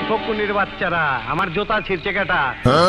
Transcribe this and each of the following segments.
ফকুনির বাচ্চারা, আমার জুতা ছিঁড়ছে কেটা?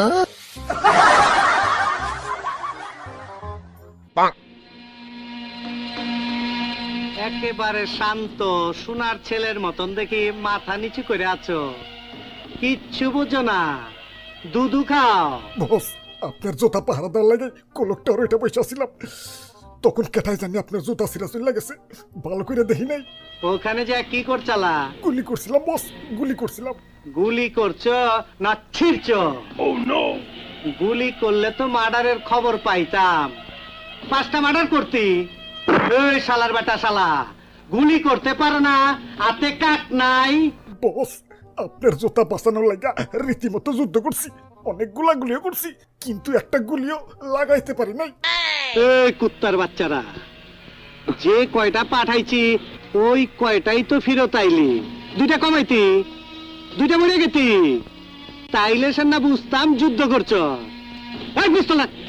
একেবারে শান্ত সোনার ছেলের মতন দেখি মাথা নিচু করে আছো, কিচ্ছু বুঝো না, দুধু খাও। বস, আপনার জুতা পাহারা দেওয়ার লাগে কোলকটার ওইটা বসে ছিলাম, তখন কেটাই জানি আপনার জুতা ছিঁড়া চলে গেছে, ভালো করে দেখি নাই। ওখানে যে কি করছালা? গুলি করছিলাম বস, গুলি করছিলাম। গুলি করছো না ছিঁড়ছো? গুলি করলে তো মার্ডারের খবর পাইতাম, 5টা মার্ডার করতি। এই শালার বেটা শালা, গুলি করতে পারো না, হাতে কাট নাই। বস, আপনার জুতা বাঁচানোর লাগা রীতিমতো যুদ্ধ করছি, অনেকগুলা গুলিও করছি, কিন্তু একটা গুলিও লাগাইতে পারি নাই। এই কুত্তার বাচ্চারা, যে কয়টা পাঠাইছি ওই কয়টাই তো ফিরত আইলি, 2টা কমাইতি, 2টা মরে গেতি, তাইলে সে না বুঝতাম যুদ্ধ করছো। এই পিস্তল না।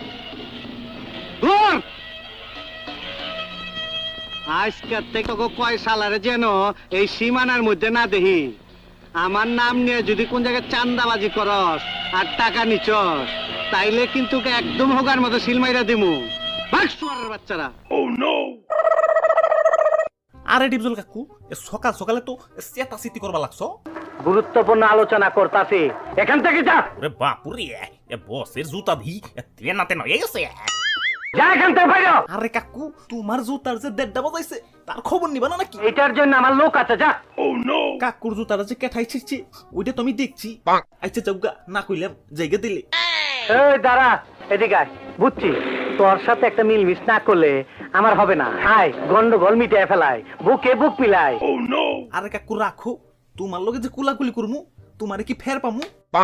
ধর। আজকের থেকে কয় সালারে যেন এই সীমানার মধ্যে না দেখি। আমার নাম নিয়ে যদি কোন জায়গায় চান্দাবাজি করস আর টাকা নিচস, তাইলে কিন্তু একদম হোগার মতো সিলমাইরা দিমু। বাচ্চারা। আরে ডিপজল কাকু, সকাল সকালে তো চেতা চিতি করবা লাগছো। গুরুত্বপূর্ণ আলোচনা করতাছি, এখান থেকে যা। ওরে বাপুরে, বসের জুতা ভি তেনাতে নয়ে গেছে। যা এখান থেকে বাইরে। আরে কাকু, তোমার জুতার যে 1:30 বাজাইছে তার খবর নিবা না নাকি? এটার জন্য আমার লোক আছে, যা। কাকুর জুতাটা যে কেঠাই ছিড়ছে ওইটা তো আমি দেখছি। আচ্ছা যাওগা, না কইলাম জায়গা দিলে। এই দাঁড়া, এদিকে আয়। বুঝছি তোর সাথে একটা মিলমিশ না করলে আমার হবে না। আয়, গন্ডগোল মিটিয়ে ফেলায়, বুকে বুক মিলাই। আরে কাকু রাখো, তোমার লগে যে কুলাকুলি করমু তোমারে কি ফের পামু?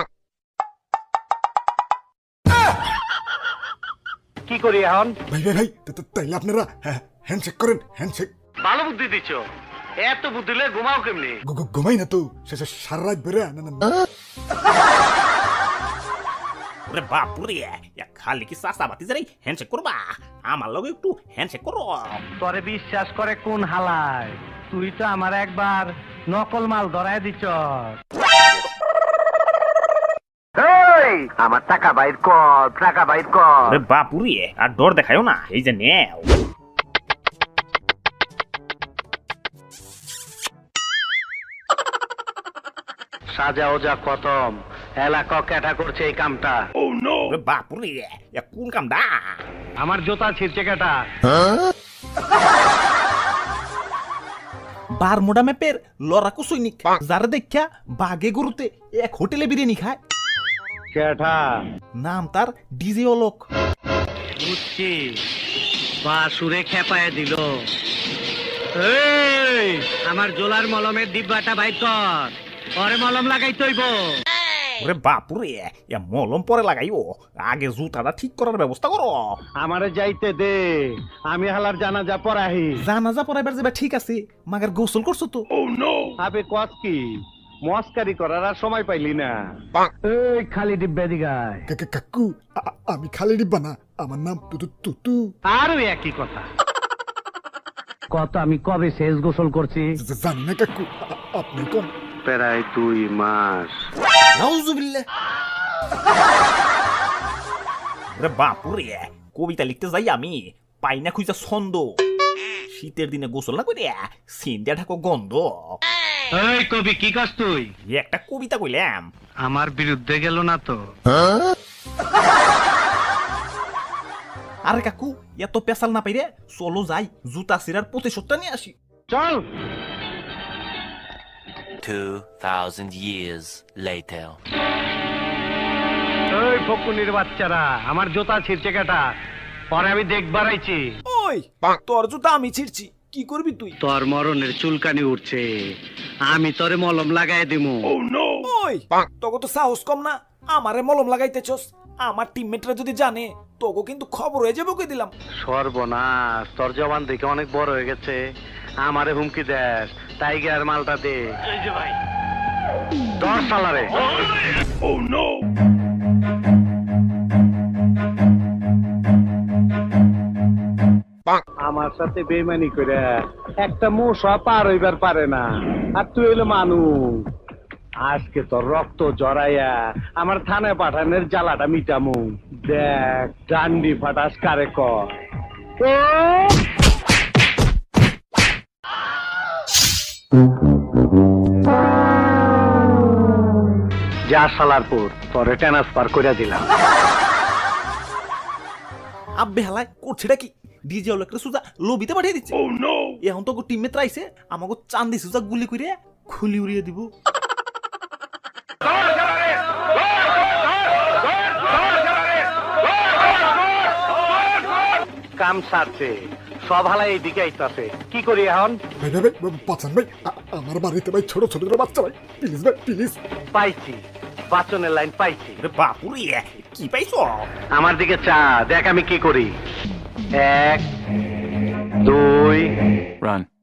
কি করি এখন? ভাই ভাই ভাই, তাইলে আপনারা হ্যান্ডশেক করেন, হ্যান্ডশেক। ভালো বুদ্ধি দিচ্ছ, এত বুদ্ধি দিলে ঘুমাও কেমনি? ঘুমাই না তো, শেষে সারা রাত বেড়ে ওরে বাপুরে, খালি কি চাচা বাতি যারাই হ্যান্ডশেক করবা? আমার লগে একটু হ্যান্ডশেক করো। তোরে বিশ্বাস করে কোন হালায়? তুই তো আমার একবার নকল মাল ধরায় দিচ্ছ। আমার টাকা বাইর কর, টাকা বাইর কর। ওরে বাপুরে, আর ডর দেখায়ও না, এই যে নেও। সাজা ওজা খতম, এলাকা ক্যাটা করছে এই কামটা। ওরে বাপুরে, কোন কামডা? আমার জুতা ছিঁড়ছে কেটা? বারমুডা ম্যাপের লড়াকু সৈনিক, যারা দেখা বাগে গরুতে এক হোটেলে বিরিয়ানি খায়। কেটা? নাম তার ডিজে অলোক। বুঝছি, বা সুরে খেপায় দিল। এই, আমার জোলার মলমের ডিব্বাটা বাইর কর, পরে মলম লাগাই তৈব। ওরে বাপুরে, মলম পরে লাগাইও, আগে জুতাটা ঠিক করার ব্যবস্থা করো। আমারে যাইতে দে, আমি হালার জানাজা পড়াহি। জানাজা পড়াইবার যাবে ঠিক আছে, মাগার গোসল করছো তো? আবে কত কি মস্কারি করার আর সময় পাইলি না। এই খালি ডিব্বা দিগায়। কাকু, আমি খালি ডিব্বা না, আমার নাম তুতু। আরো একই কথা। কত আমি কবে শেষ গোসল করছি জানি না কাকু, আপনি কোন? প্রায় 2 মাস। নাউজুবিল্লাহ। ওরে বাপুরে, কবিতা লিখতে যাই আমি পাই না খুঁজা ছন্দ। শীতের দিনে গোসল না করে সিন্দিয়া ঢাকো গন্ধ। এই কবি, কি কাজ তুই? একটা কবিতা কইলাম। আমার বিরুদ্ধে গেল না তো? আরে কাকু, এত পেশাল না পাইরে চলো যাই, জুতা সিরার প্রতিশোধটা নিয়ে আসি। চল। 2000 years later. এই ফকুনির বাচ্চারা, আমার জুতা ছিঁড়ছে কেটা? পরে আমি দেখবার আইছি। ওই তোর জুতা আমি ছিড়ছি, কি করবি তুই? তোর মরণের চুলকানি উঠছে, আমি তোরে মলম লাগাই দিমু। ওই তোকে তো সাহস কম না, আমারে মলম লাগাইতেছস। আমার টিমমেটরা যদি জানে তোকে কিন্তু খবর হয়ে যাবে, কই দিলাম। সর্বনাশ, তোর জবান দেখে অনেক বড় হয়ে গেছে, আমারে হুমকি দেস। টাইগার মালটা দে। এই যে ভাই 10 সালারে। আমার সাথে বেইমানি করে একটা মশা পার হইবার পারে না, আর তুই হইলো মানুষ। আজকে তোর রক্ত জড়াইয়া আমার থানায় পাঠানোর জ্বালাটা মিটামু। দেখ ডান্ডি ফাটাস কারে কর। ও! যা সালারপুর তোরে ট্রান্সফার করে দিলাম। আব্বে হালায় করছেটা কি? ডিজে লোকটা সুজা লবিতে পাঠিয়ে দিচ্ছে। এখন তো টিমমেট রাইছে আমাকে চান্দি সুজা গুলি করে খুলি উড়িয়ে দিব। কাম সারছে, সব হালা এইদিকে আইতাছে, কি করি এখন? ভাই ভাই ভাই বাঁচান ভাই, আমার বাড়িতে ভাই ছোট ছোট বাচ্চা ভাই, প্লিজ ভাই প্লিজ। পাইছি, বাচনের লাইন পাইছি। রে বাপুরে কি পাইছো? আমার দিকে চা, দেখ আমি কি করি। 1 2 Run.